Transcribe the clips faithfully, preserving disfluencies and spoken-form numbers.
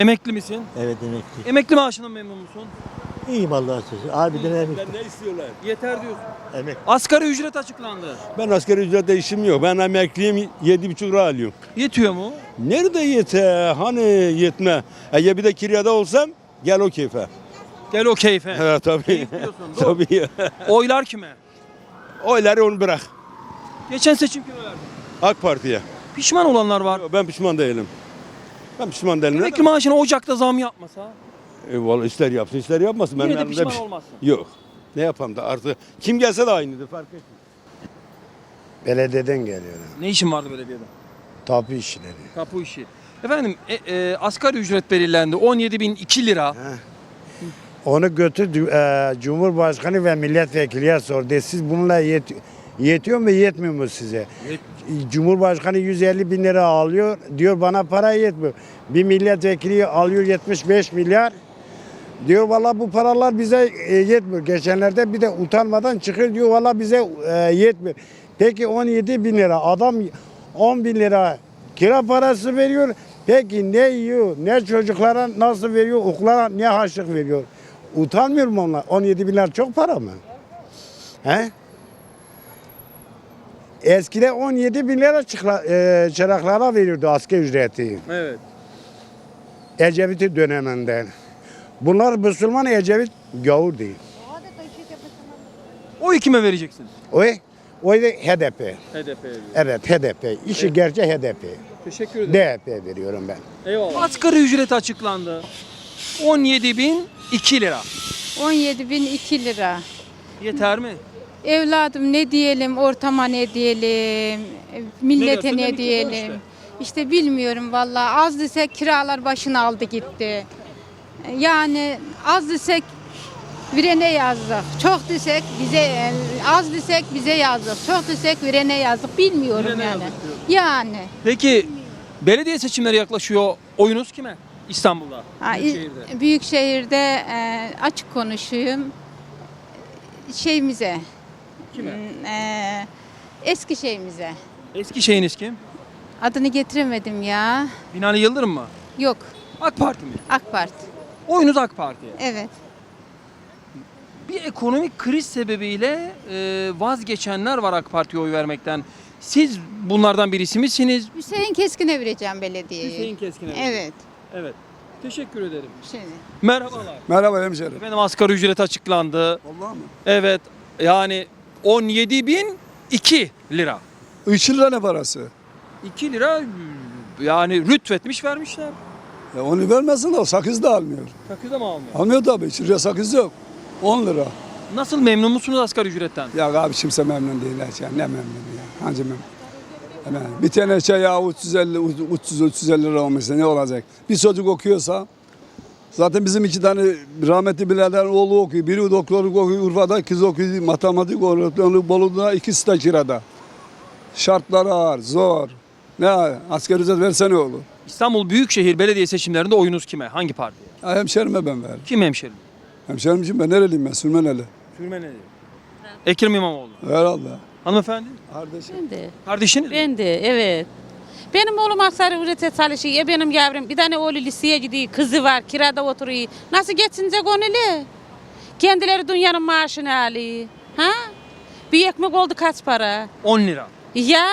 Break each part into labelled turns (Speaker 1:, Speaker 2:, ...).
Speaker 1: Emekli misin?
Speaker 2: Evet, emekli.
Speaker 1: Emekli maaşından memnun musun?
Speaker 2: İyiyim Allah'a şükür. Harbiden emekli.
Speaker 3: Ne istiyorlar?
Speaker 1: Yeter diyorsun.
Speaker 2: Emekli.
Speaker 1: Asgari ücret açıklandı.
Speaker 3: Ben asgari ücretle işim yok. Ben emekliyim, yedi buçuk lira alıyorum.
Speaker 1: Yetiyor mu?
Speaker 3: Nerede yeter? Hani yetme? Eğer bir de kiryada olsam gel o keyfe.
Speaker 1: Gel o keyfe.
Speaker 3: Evet tabii.
Speaker 1: Keyif diyorsun, doğru.
Speaker 3: Tabii.
Speaker 1: Oylar kime?
Speaker 3: Oyları onu bırak.
Speaker 1: Geçen seçim kime verdin?
Speaker 3: AK Parti'ye.
Speaker 1: Pişman olanlar var.
Speaker 3: Ben pişman değilim. Ben pişman değilim.
Speaker 1: Emekli maaşına Ocak'ta zam yapmasa
Speaker 3: E, vallahi ister yapsın ister yapmasın.
Speaker 1: yine
Speaker 3: Benim
Speaker 1: de
Speaker 3: elimde
Speaker 1: pişman
Speaker 3: bir şey-
Speaker 1: olmazsın.
Speaker 3: Yok. Ne yapalım da artık kim gelse de aynıdır fark etmiyor.
Speaker 4: Belediyeden geliyor.
Speaker 1: Ne işin vardı belediyede?
Speaker 4: Tapu işleri.
Speaker 1: Tapu işi. Efendim e, e, asgari ücret belirlendi. on yedi bin iki lira.
Speaker 4: Onu götür e, Cumhurbaşkanı ve milletvekiliye sor. De, siz bununla yet, yetiyor mu yetmiyor mu size? Cumhurbaşkanı yüz elli bin lira alıyor. Diyor bana para yetmiyor. Bir milletvekili alıyor yetmiş beş milyar. Diyor valla bu paralar bize e, yetmiyor. Geçenlerde bir de utanmadan çıkıyor diyor valla bize e, yetmiyor. Peki on yedi bin lira adam on bin lira kira parası veriyor. Peki ne yiyor? Ne çocuklara nasıl veriyor? Okula ne harçlık veriyor? Utanmıyor mu onlar? on yedi bin lira çok para mı? He? Eskide on yedi bin lira çıkla, e, çıraklara veriyordu asgari ücreti.
Speaker 1: Evet.
Speaker 4: Ecevit'i döneminden. Bunlar Müslüman, Ecevit gavur değil.
Speaker 1: Oyu kime vereceksin?
Speaker 4: O, o da H D P.
Speaker 1: H D P'ye.
Speaker 4: Evet H D P. İşi gerçek H D P.
Speaker 1: Teşekkür ederim.
Speaker 4: D H P veriyorum ben.
Speaker 1: Eyvallah. Asgari ücret açıklandı. on yedi bin iki lira.
Speaker 5: on yedi bin iki lira.
Speaker 1: Yeter mi?
Speaker 5: Evladım ne diyelim, ortama ne diyelim, millete
Speaker 1: diyorsun?
Speaker 5: ne
Speaker 1: Demek ki zor
Speaker 5: diyelim.
Speaker 1: işte.
Speaker 5: İşte bilmiyorum vallahi. Az desek kiralar başını aldı gitti. Yani az desek virene yazdık. Çok desek bize, az desek bize yazdık. Çok desek virene yazdık. Bilmiyorum
Speaker 1: Virene
Speaker 5: yani.
Speaker 1: yazdık diyorsun.
Speaker 5: Yani.
Speaker 1: Peki belediye seçimleri yaklaşıyor. Oyunuz kime? İstanbul'da.
Speaker 5: Ha,
Speaker 1: Büyükşehir'de.
Speaker 5: Büyükşehir'de e, açık konuşayım. Şeyimize.
Speaker 1: Kime?
Speaker 5: Hmm, e, eski şeyimize.
Speaker 1: Eski şeyiniz kim?
Speaker 5: Adını getiremedim ya.
Speaker 1: Binali Yıldırım mı?
Speaker 5: Yok.
Speaker 1: AK Parti mi?
Speaker 5: AK Parti.
Speaker 1: Oyunuz AK Parti'ye.
Speaker 5: Evet.
Speaker 1: Bir ekonomik kriz sebebiyle e, vazgeçenler var AK Parti'ye oy vermekten. Siz bunlardan birisi misiniz?
Speaker 5: Hüseyin Keskin'e vereceğim belediyeyi.
Speaker 1: Hüseyin Keskin'e.
Speaker 5: Evet.
Speaker 1: Evet. Teşekkür ederim.
Speaker 5: Şimdi.
Speaker 1: Merhabalar.
Speaker 6: Merhaba hemşerim.
Speaker 1: Efendim asgari ücret açıklandı.
Speaker 6: Vallahi mı?
Speaker 1: Evet. Yani on yedi bin iki lira.
Speaker 6: üç lira ne parası?
Speaker 1: iki lira yani rütvetmiş vermişler.
Speaker 6: Ya onu vermesin de o sakız da almıyor.
Speaker 1: Sakızda mı almıyor?
Speaker 6: Almıyor tabii. üç liraya sakız yok. on lira.
Speaker 1: Nasıl memnun musunuz asgari ücretten?
Speaker 6: Ya abi kimse memnun değil. Ya. Ne memnun ya. Hangi memnun? Hemen. Bir tane şey ya üç yüz elli üç yüz üç yüz elli lira olmuşsa ne olacak? Bir çocuk okuyorsa zaten bizim iki tane rahmetli birader oğlu okuyor. Biri doktorluk okuyor Urfa'da, kız okuyor matematik öğretmenlik Bolu'da, ikisi de kirada. Şartlar ağır, zor. Ne asgari ücret verse ne olur?
Speaker 1: İstanbul Büyükşehir Belediye seçimlerinde oyunuz kime? Hangi partiye?
Speaker 6: Ya hemşerime ben verdim.
Speaker 1: Kim hemşerim?
Speaker 6: Hemşerim için ben nereliyim ben? Sürmeneli.
Speaker 1: Sürmeneli. Ekrem İmamoğlu.
Speaker 6: Herhalde.
Speaker 1: Hanımefendi?
Speaker 6: Kardeşim.
Speaker 7: Ben de.
Speaker 1: Kardeşiniz mi?
Speaker 7: Ben de evet. Benim oğlum asgari ücrete çalışıyor. Ya benim yavrum bir tane oğlu liseye gidiyor. Kızı var kirada oturuyor. Nasıl geçinecek onu le? Kendileri dünyanın maaşını alıyor. Ha? Bir ekmek oldu kaç para?
Speaker 1: on lira.
Speaker 7: Ya.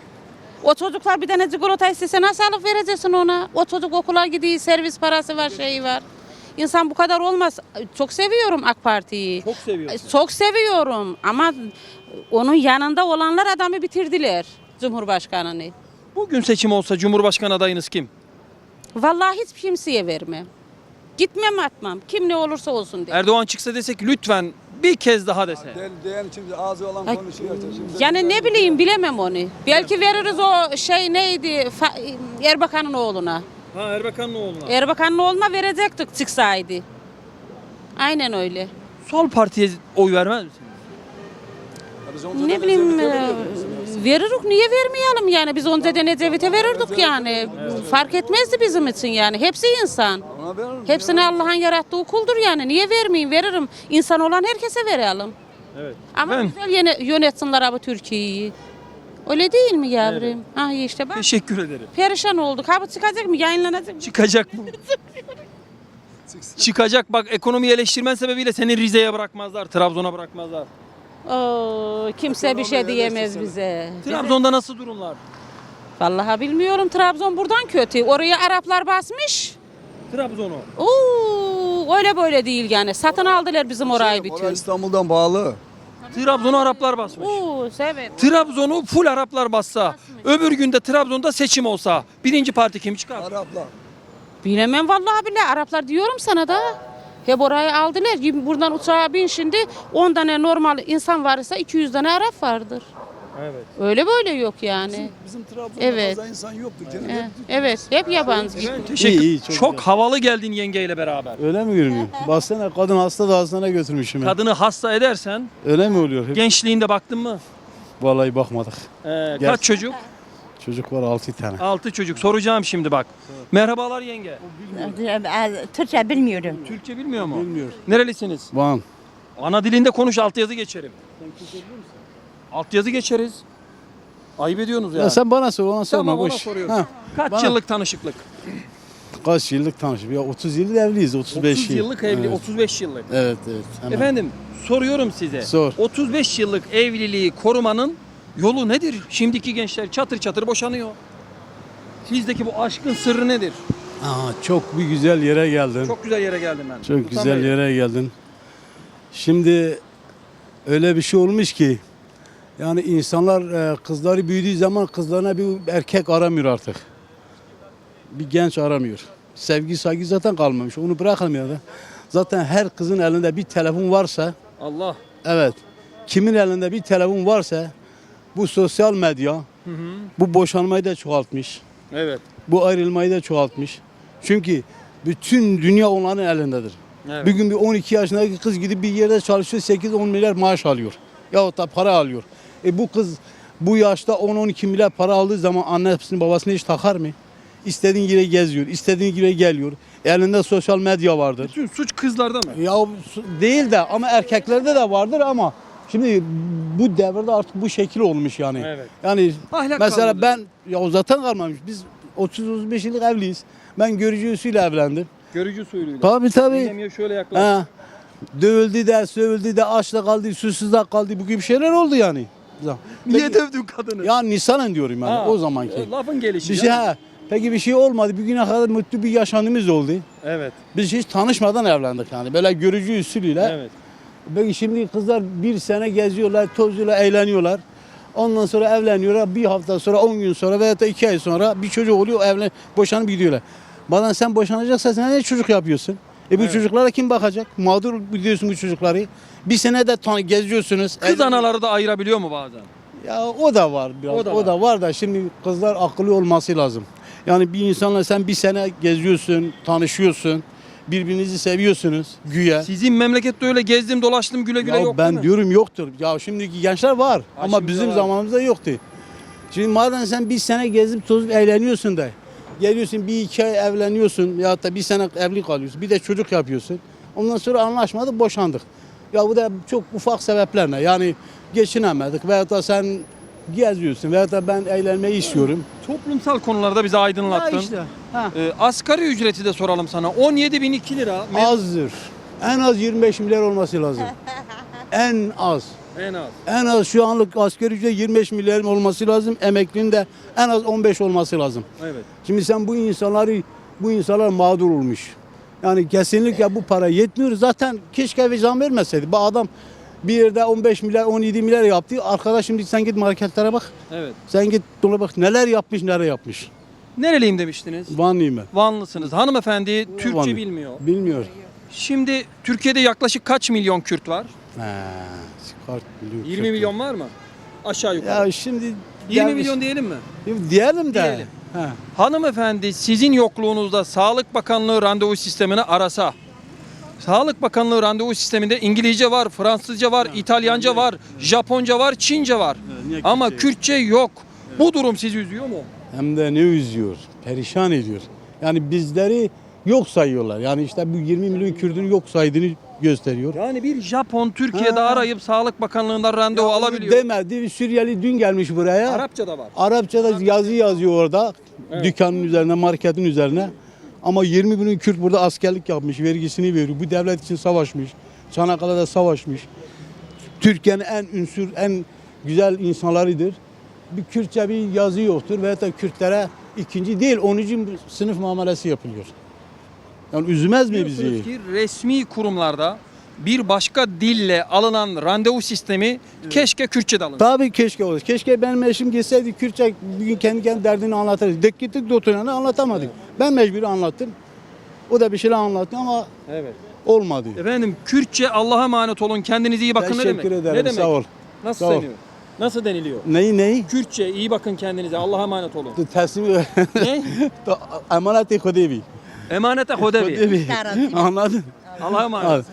Speaker 7: O çocuklar bir tane çikolata istese nasıl alıp vereceksin ona? O çocuk okula gidiyor, servis parası var, şeyi var. İnsan bu kadar olmaz. Çok seviyorum AK Parti'yi.
Speaker 1: Çok seviyorsun.
Speaker 7: Çok seviyorum ama onun yanında olanlar adamı bitirdiler. Cumhurbaşkanını.
Speaker 1: Bugün seçim olsa Cumhurbaşkanı adayınız kim?
Speaker 7: Vallahi hiç kimseye vermem. Gitmem atmam. Kim ne olursa olsun diye.
Speaker 1: Erdoğan çıksa desek lütfen bir kez daha dese.
Speaker 6: Del, diyen şimdi ağzı olan
Speaker 7: Ay,
Speaker 6: konuşuyor. işte. Şimdi
Speaker 7: Yani ne bileyim bilemem onu. Belki veririz o şey neydi Fa- Erbakan'ın oğluna.
Speaker 1: Ha Erbakan'ın oğluna.
Speaker 7: Erbakan'ın oğluna verecektik çıksaydı. Aynen öyle.
Speaker 1: Sol partiye oy vermez misiniz?
Speaker 6: Biz onca
Speaker 7: Ne
Speaker 6: da
Speaker 7: bileyim
Speaker 6: Ecevit'e
Speaker 7: e,
Speaker 6: veriyoruz.
Speaker 7: veririk niye vermeyelim yani biz önceden Ecevit'e verirdik yani. Fark etmezdi bizim için yani. Hepsi insan.
Speaker 6: Ona veririm.
Speaker 7: Hepsini Allah'ın yarattığı kuldur yani. Niye vermeyeyim? Veririm. İnsan olan herkese verelim.
Speaker 1: Evet.
Speaker 7: Ama
Speaker 1: Efendim?
Speaker 7: güzel yene- yönetsinler abi Türkiye'yi. Öyle değil mi yavrum? Ah işte bak.
Speaker 1: Teşekkür ederim.
Speaker 7: Perişan olduk. Ha bu çıkacak mı? Yayınlanacak mı?
Speaker 1: Çıkacak mı? Çıkacak bak, ekonomiyi eleştirmen sebebiyle seni Rize'ye bırakmazlar, Trabzon'a bırakmazlar.
Speaker 7: Oo, kimse bir şey diyemez bize.
Speaker 1: Trabzon'da nasıl durumlar?
Speaker 7: Vallahi bilmiyorum. Trabzon buradan kötü. Oraya Araplar basmış.
Speaker 1: Trabzon'u.
Speaker 7: Oo, öyle böyle değil yani. Satın aldılar bizim orayı
Speaker 6: Orası
Speaker 7: bütün.
Speaker 6: İstanbul'dan bağlı.
Speaker 1: Trabzon'u Araplar basmış.
Speaker 7: Oo, evet.
Speaker 1: Trabzon'u full Araplar bassa, öbür günde Trabzon'da seçim olsa birinci parti kim çıkar?
Speaker 6: Araplar.
Speaker 7: Bilemem vallahi billahi. Araplar diyorum sana da. Hep orayı aldılar. Gibi buradan uçağa bin şimdi on tane normal insan varsa iki yüz tane Arap vardır.
Speaker 1: Evet.
Speaker 7: Öyle böyle yok yani.
Speaker 6: Bizim Trabzon'da
Speaker 7: Evet.
Speaker 6: fazla insan yoktur. Canım.
Speaker 7: Eh, Evet, hep yabancı.
Speaker 1: Evet, teşekkür.
Speaker 8: İyi, iyi, çok
Speaker 1: çok
Speaker 8: güzel.
Speaker 1: havalı geldin yengeyle beraber.
Speaker 8: Öyle mi görünüyor? Baksana kadın hasta da hastaneye götürmüşüm. ben.
Speaker 1: Kadını hasta edersen
Speaker 8: Öyle mi oluyor? Hep-
Speaker 1: gençliğinde baktın mı?
Speaker 8: Vallahi bakmadık.
Speaker 1: Ee,
Speaker 8: Gel.
Speaker 1: kaç çocuk?
Speaker 8: Çocuk var altı tane.
Speaker 1: Altı çocuk. Soracağım şimdi bak. Merhabalar yenge.
Speaker 9: Türkçe bilmiyorum.
Speaker 1: Türkçe bilmiyor mu?
Speaker 8: Bilmiyor.
Speaker 1: Nerelisiniz?
Speaker 8: Van.
Speaker 1: Ana dilinde konuş, altyazı geçerim. Altyazı geçeriz. Ayıp ediyorsunuz yani.
Speaker 8: Ya sen bana sor, ona sorma.
Speaker 1: Tamam, ona
Speaker 8: boş.
Speaker 1: soruyorum.
Speaker 8: Ha,
Speaker 1: Kaç
Speaker 8: bana-
Speaker 1: yıllık tanışıklık?
Speaker 8: Kaç yıllık tanışıp? Ya otuz yıllık evliyiz, otuz beş
Speaker 1: otuz
Speaker 8: yıl.
Speaker 1: yıllık evli,
Speaker 8: Evet,
Speaker 1: otuz beş yıllık.
Speaker 8: evet. evet. Hemen.
Speaker 1: Efendim soruyorum size.
Speaker 8: Sor.
Speaker 1: otuz beş yıllık evliliği korumanın yolu nedir? Şimdiki gençler çatır çatır boşanıyor. Sizdeki bu aşkın sırrı nedir?
Speaker 8: Aa, çok bir güzel yere geldin. Çok,
Speaker 1: Çok güzel yere geldim ben. Sultan
Speaker 8: güzel
Speaker 1: Bey.
Speaker 8: yere geldin. Şimdi öyle bir şey olmuş ki yani insanlar e, kızları büyüdüğü zaman kızlarına bir erkek aramıyor artık. Bir genç aramıyor. Sevgi saygı zaten kalmamış. Onu bırakalım ya da. Zaten her kızın elinde bir telefon varsa,
Speaker 1: Allah.
Speaker 8: evet. Kimin elinde bir telefon varsa bu sosyal medya
Speaker 1: Hı hı.
Speaker 8: bu boşanmayı da çoğaltmış.
Speaker 1: Evet.
Speaker 8: Bu ayrılmayı da çoğaltmış. Çünkü bütün dünya onların elindedir.
Speaker 1: Evet.
Speaker 8: Bir gün bir on iki yaşındaki kız gidip bir yerde çalışıyor, sekiz on milyar maaş alıyor. Yahut da para alıyor. E bu kız bu yaşta on on iki milyar para aldığı zaman annesini babasını hiç takar mı? İstediğin yere geziyor, istediğin yere geliyor. Elinde sosyal medya vardır.
Speaker 1: Bütün suç kızlarda mı?
Speaker 8: Ya su- değil de ama erkeklerde de vardır ama şimdi bu devirde artık bu şekil olmuş yani.
Speaker 1: Evet.
Speaker 8: Yani
Speaker 1: Ahlak
Speaker 8: mesela
Speaker 1: kalmadı.
Speaker 8: ben ya zaten kalmamış. Biz otuz otuz beş yıllık evliyiz. Ben görücü usulüyle evlendim.
Speaker 1: Görücü suyuyla.
Speaker 8: Tabii tabii.
Speaker 1: Yengem şöyle yaklaş.
Speaker 8: Ha. Dövüldü de, sövüldü de, açta kaldı, susuz da kaldı. Bu gibi şeyler oldu yani.
Speaker 1: Niye
Speaker 8: Peki-
Speaker 1: dövdün kadını?
Speaker 8: Ya Nisan'ın diyorum yani
Speaker 1: Ha,
Speaker 8: o zamanki.
Speaker 1: e, Lafın gelişi.
Speaker 8: Bir şey
Speaker 1: ya.
Speaker 8: ha. Peki bir şey olmadı. Bugüne kadar mutlu bir yaşantımız oldu.
Speaker 1: Evet.
Speaker 8: Biz hiç tanışmadan evlendik yani. Böyle görücü usulüyle.
Speaker 1: Evet.
Speaker 8: Peki şimdi kızlar bir sene geziyorlar, tozuyorlar, eğleniyorlar. Ondan sonra evleniyorlar. Bir hafta sonra, on gün sonra veya da iki ay sonra bir çocuk oluyor, evlen, boşanıp gidiyorlar. Bana sen boşanacaksan sen ne çocuk yapıyorsun? E bu
Speaker 1: Evet.
Speaker 8: çocuklara kim bakacak? Mağdur biliyorsun bu çocukları. Bir sene de tan- geziyorsunuz.
Speaker 1: Kız
Speaker 8: Evlen-
Speaker 1: anaları da ayırabiliyor mu bazen?
Speaker 8: Ya o da var biraz.
Speaker 1: O
Speaker 8: O
Speaker 1: da
Speaker 8: da,
Speaker 1: var.
Speaker 8: var. da şimdi kızlar akıllı olması lazım. Yani bir insanla sen bir sene geziyorsun, tanışıyorsun. Birbirinizi seviyorsunuz güya.
Speaker 1: Sizin memlekette öyle gezdim dolaştım güle güle
Speaker 8: Ya
Speaker 1: yok
Speaker 8: ben
Speaker 1: değil mi?
Speaker 8: diyorum yoktur. Ya şimdiki gençler var
Speaker 1: Ha,
Speaker 8: ama
Speaker 1: şimdi
Speaker 8: bizim
Speaker 1: var.
Speaker 8: zamanımızda yoktu. Şimdi madem sen bir sene gezip tozup eğleniyorsun da geliyorsun bir iki ay evleniyorsun ya da bir sene evli kalıyorsun. Bir de çocuk yapıyorsun. Ondan sonra anlaşmadık, boşandık. Ya bu da çok ufak sebeplerle yani geçinemedik veyahut da sen geziyorsun veyahut da ben eğlenmeyi istiyorum.
Speaker 1: Toplumsal konularda bizi aydınlattın.
Speaker 8: Ya işte. Ha.
Speaker 1: Ee, asgari ücreti de soralım sana. on yedi bin iki lira. Me-
Speaker 8: Azdır. En az yirmi beş milyar olması lazım. En az.
Speaker 1: En az.
Speaker 8: En az şu anlık asgari ücret yirmi beş milyar olması lazım. Emeklinin de en az on beş olması lazım.
Speaker 1: Evet.
Speaker 8: Şimdi sen bu insanları, bu insanlar mağdur olmuş. Yani kesinlikle bu para yetmiyor. Zaten keşke bir zam vermeseydi. Bu adam bir yerde on beş milyar, on yedi milyar yaptı. Arkadaş şimdi sen git marketlere bak.
Speaker 1: Evet.
Speaker 8: Sen git dola bak neler yapmış, neler yapmış.
Speaker 1: Nereliyim demiştiniz?
Speaker 8: Vanlıyım ben.
Speaker 1: Vanlısınız. Hanımefendi Türkçe
Speaker 8: Vanlı.
Speaker 1: bilmiyor.
Speaker 8: Bilmiyor.
Speaker 1: Şimdi Türkiye'de yaklaşık kaç milyon Kürt var?
Speaker 8: He, çıkart milyon,
Speaker 1: yirmi
Speaker 8: kırk
Speaker 1: milyon var mı? Aşağı yukarı.
Speaker 8: Ya şimdi
Speaker 1: yirmi
Speaker 8: gelmiş-
Speaker 1: milyon diyelim mi?
Speaker 8: diyelim de.
Speaker 1: Diyelim.
Speaker 8: He.
Speaker 1: Hanımefendi sizin yokluğunuzda Sağlık Bakanlığı randevu sistemini arasa. Sağlık Bakanlığı randevu sisteminde İngilizce var, Fransızca var, İtalyanca var, Japonca var, Çince var.
Speaker 8: niye
Speaker 1: Ama
Speaker 8: Kürtçe yok?
Speaker 1: Kürtçe yok. Bu durum sizi üzüyor mu?
Speaker 8: Hem de ne üzüyor, perişan ediyor. Yani bizleri yok sayıyorlar. Yani işte bu yirmi milyon Kürt'ün yok saydığını gösteriyor.
Speaker 1: Yani bir Japon Türkiye'de
Speaker 8: Ha.
Speaker 1: arayıp Sağlık Bakanlığı'ndan randevu
Speaker 8: Ya onu
Speaker 1: alabiliyor.
Speaker 8: Demedi. Bir Suriyeli dün gelmiş buraya.
Speaker 1: Arapça da var.
Speaker 8: Arapçada yazı yazıyor orada.
Speaker 1: Evet.
Speaker 8: Dükkanın üzerine, marketin üzerine. Ama yirmi bin Kürt burada askerlik yapmış, vergisini veriyor. Bu devlet için savaşmış. Çanakkale'de savaşmış. Türkiye'nin en ünsür, en güzel insanlarıdır. Bir Kürtçe bir yazı yoktur ve da Kürtlere ikinci değil onuncu sınıf muamelesi yapılıyor. Yani üzmez mi bizi?
Speaker 1: Biliyorsunuz ki resmi kurumlarda bir başka dille alınan randevu sistemi keşke Kürtçe'de alınsa.
Speaker 8: Tabii keşke olur. Keşke benim eşim gitseydi Kürtçe bugün kendi kendi derdini anlatırdı. Dek gittik doktoruna anlatamadık. Ben mecbur anlattım. O da bir şeyler anlattı ama
Speaker 1: Evet.
Speaker 8: olmadı.
Speaker 1: Efendim Kürtçe Allah'a emanet olun. Kendinize iyi bakın ne demek?
Speaker 8: Teşekkür ederim.
Speaker 1: Ne demek?
Speaker 8: Sağ ol.
Speaker 1: Nasıl
Speaker 8: Sağ ol.
Speaker 1: deniyor? Nasıl deniliyor?
Speaker 8: Neyi neyi?
Speaker 1: Kürtçe iyi bakın kendinize. Allah'a emanet olun.
Speaker 8: Teslim
Speaker 1: Ne?
Speaker 8: emanet-i Hudevi.
Speaker 1: Emanete hodevi.
Speaker 8: Hudevi. Anladın?
Speaker 1: Allah'a emanet.
Speaker 8: Evet.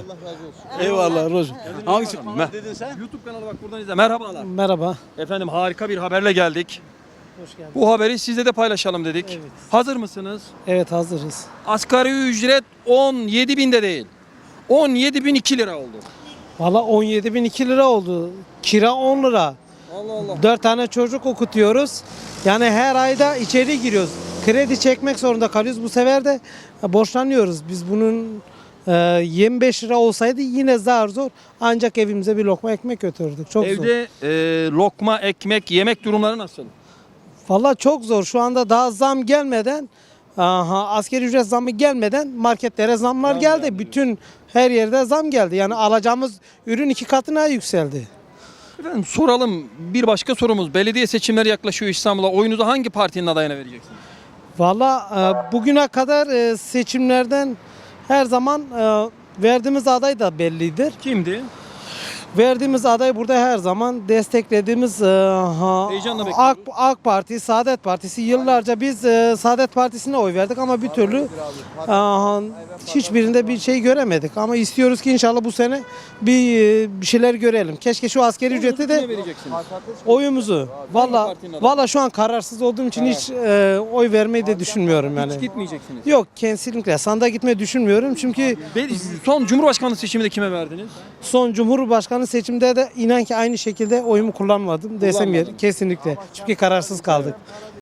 Speaker 8: Eyvallah Roz. Hangisi?
Speaker 1: Me-
Speaker 8: dedin sen?
Speaker 1: YouTube kanalı bak buradan izle. Merhabalar.
Speaker 10: Merhaba.
Speaker 1: Efendim harika bir haberle geldik.
Speaker 10: Hoş geldin.
Speaker 1: Bu haberi sizle de paylaşalım dedik.
Speaker 10: Evet.
Speaker 1: Hazır mısınız?
Speaker 10: Evet hazırız.
Speaker 1: Asgari ücret on yedi binde değil. on yedi bin iki lira oldu.
Speaker 10: Valla on yedi bin iki lira oldu. Kira on lira.
Speaker 1: Allah Allah.
Speaker 10: dört tane çocuk okutuyoruz. Yani her ayda içeri giriyoruz. Kredi çekmek zorunda kalıyoruz. Bu sefer de borçlanıyoruz. Biz bunun e, yirmi beş lira olsaydı yine zar zor. Ancak evimize bir lokma ekmek götürürdük. Çok zor.
Speaker 1: Evde e, lokma, ekmek, yemek durumları nasıl?
Speaker 10: Valla çok zor. Şu anda daha zam gelmeden, aha, asgari ücret zammı gelmeden marketlere zamlar geldi. Bütün her yerde zam geldi. Yani alacağımız ürün iki katına yükseldi.
Speaker 1: Efendim soralım bir başka sorumuz. Belediye seçimleri yaklaşıyor İstanbul'a. Oyunuzu hangi partinin adayına vereceksiniz?
Speaker 10: Valla e, bugüne kadar e, seçimlerden her zaman e, verdiğimiz aday da bellidir.
Speaker 1: Kimdi?
Speaker 10: Verdiğimiz aday burada her zaman desteklediğimiz e, ha,
Speaker 1: Heyecanla
Speaker 10: AK,
Speaker 1: bekliyoruz.
Speaker 10: AK Parti, Saadet Partisi. Yıllarca biz e, Saadet Partisi'ne oy verdik ama bir türlü e, ha, hiçbirinde bir şey göremedik. Ama istiyoruz ki inşallah bu sene bir, e, bir şeyler görelim. Keşke şu askeri ücreti
Speaker 1: Kime
Speaker 10: de
Speaker 1: vereceksiniz?
Speaker 10: oyumuzu. Valla
Speaker 1: partinin adayı?
Speaker 10: valla şu an kararsız olduğum için hiç e, oy vermeyi de düşünmüyorum yani.
Speaker 1: Hiç gitmeyeceksiniz.
Speaker 10: Yok kesinlikle sandığa gitmeyi düşünmüyorum çünkü
Speaker 1: Be- Son Cumhurbaşkanlığı seçiminde kime verdiniz?
Speaker 10: son Cumhurbaşkanı seçimde de inan ki aynı şekilde oyumu kullanmadım desem yer. Kesinlikle. Çünkü kararsız kaldık.